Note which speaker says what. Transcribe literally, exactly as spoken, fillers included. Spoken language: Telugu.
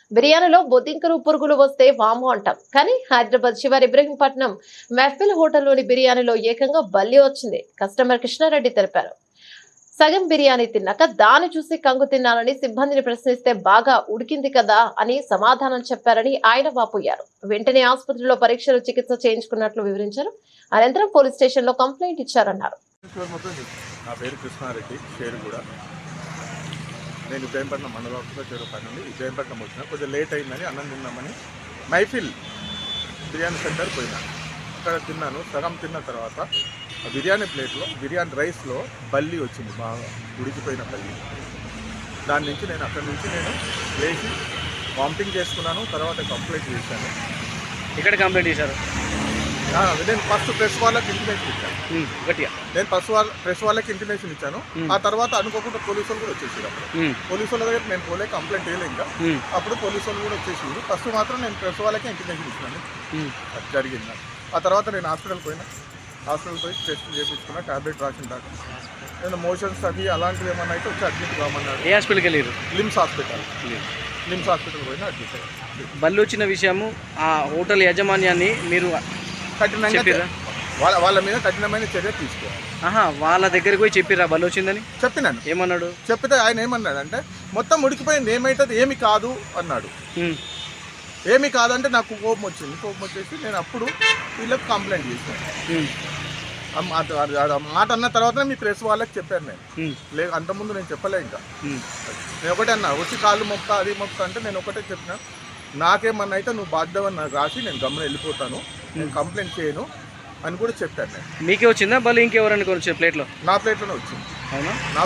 Speaker 1: బిర్యానీలో బొద్దింకలు పురుగులు వస్తే వాము అంటాం, కానీ హైదరాబాద్ శివార్ ఇబ్రహీంపట్నం మెహఫిల్ హోటల్లోని బిర్యానీలో ఏకంగా బల్లి వచ్చింది. కస్టమర్ కృష్ణారెడ్డి తెలిపారు. సగం బిర్యానీ తిన్నాక దాన్ని చూసి కంగు తిన్నానని సిబ్బందిని ప్రశ్నిస్తే బాగా ఉడికింది కదా అని సమాధానం చెప్పారని ఆయన వాపోయారు. వెంటనే ఆసుపత్రిలో పరీక్షలు చికిత్స చేయించుకున్నట్లు వివరించారు. అనంతరం పోలీస్ స్టేషన్ లో కంప్లైంట్ ఇచ్చారన్నారు.
Speaker 2: నా పేరు కృష్ణారెడ్డి, షేరుగూడ. నేను ఇబ్రహీంపట్నం మండల ఆఫీస్లో చేరు పని నుండి ఇబ్రహీంపట్నం వచ్చిన కొంచెం లేట్ అయిందని అన్నం తిన్నామని మైఫిల్ బిర్యానీ సెంటర్ పోయినా. అక్కడ తిన్నాను. సగం తిన్న తర్వాత ఆ బిర్యానీ ప్లేట్లో బిర్యానీ రైస్లో బల్లి వచ్చింది, బాగా ఉడికిపోయిన బల్లి. దాని నుంచి నేను అక్కడి నుంచి నేను లేచి వామిటింగ్ చేసుకున్నాను. తర్వాత కంప్లైంట్ చేశాను.
Speaker 3: ఇక్కడ కంప్లైంట్ చేశారు.
Speaker 2: నేను ఫస్ట్ ప్రెస్ వాళ్ళకి ఇంటిమేషన్ ఇచ్చాను.
Speaker 3: గట్టిగా
Speaker 2: నేను ఫస్ట్ వాళ్ళ ప్రెస్ వాళ్ళకి ఇంటిమేషన్ ఇచ్చాను. ఆ తర్వాత అనుకోకుండా పోలీసు వాళ్ళు కూడా వచ్చేసారు. అప్పుడు పోలీసు వాళ్ళ దగ్గర నేను పోలే, కంప్లైంట్ వేయలే. ఇంకా అప్పుడు పోలీసు వాళ్ళు కూడా వచ్చేసింది. ఫస్ట్ మాత్రం నేను ప్రెస్ వాళ్ళకి ఇంటిమేషన్ ఇచ్చినాను. అది జరిగింది. ఆ తర్వాత నేను హాస్పిటల్ పోయినా. హాస్పిటల్ పోయి టెస్ట్ చేయించుకున్నా, టాబ్లెట్ రాసిన దాకా. నేను మోషన్స్ అవి అలాంటివి ఏమన్నా అయితే వచ్చి అడ్మిట్ కామన్నాడు.
Speaker 3: ఏ హాస్పిటల్కి వెళ్ళారు?
Speaker 2: LIMS hospital. లిమ్స్ హాస్పిటల్ పోయినా అడ్మిట్ అయ్యాను.
Speaker 3: బల్లి వచ్చిన విషయము ఆ హోటల్ యాజమాన్యాన్ని మీరు
Speaker 2: కఠినంగా వాళ్ళ వాళ్ళ మీద కఠినమైన చర్య తీసుకోవాలి.
Speaker 3: ఆహా, వాళ్ళ దగ్గరికి పోయి చెప్పిరా బల్లి వచ్చిందని?
Speaker 2: చెప్పినాను.
Speaker 3: ఏమన్నాడు?
Speaker 2: చెప్పితే ఆయన ఏమన్నాడు అంటే మొత్తం ఉడికిపోయింది, ఏమైతుంది, ఏమి కాదు అన్నాడు. ఏమి కాదంటే నాకు కోపం వచ్చింది. కోపం వచ్చేసి నేను అప్పుడు వీళ్ళకి కంప్లైంట్ చేశాను. మాట అన్న తర్వాత మీ ప్రెస్ వాళ్ళకి చెప్పాను నేను. లే అంతకుముందు నేను చెప్పలే. ఇంకా నేను ఒకటే అన్నా, వచ్చి కాళ్ళు మొక్క అది మొక్క అంటే నేను ఒకటే చెప్పిన, నాకేమన్నా అయితే నువ్వు బాధ్యతని నాకు రాసి నేను గమ్మున వెళ్ళిపోతాను, నేను కంప్లైంట్ చేయను అని కూడా చెప్పాను నేను.
Speaker 3: మీకే వచ్చిందా బల్లి? ఇంకెవరని కొంచెం ప్లేట్లో?
Speaker 2: నా ప్లేట్లోనే వచ్చింది.
Speaker 3: అవునా?
Speaker 2: నా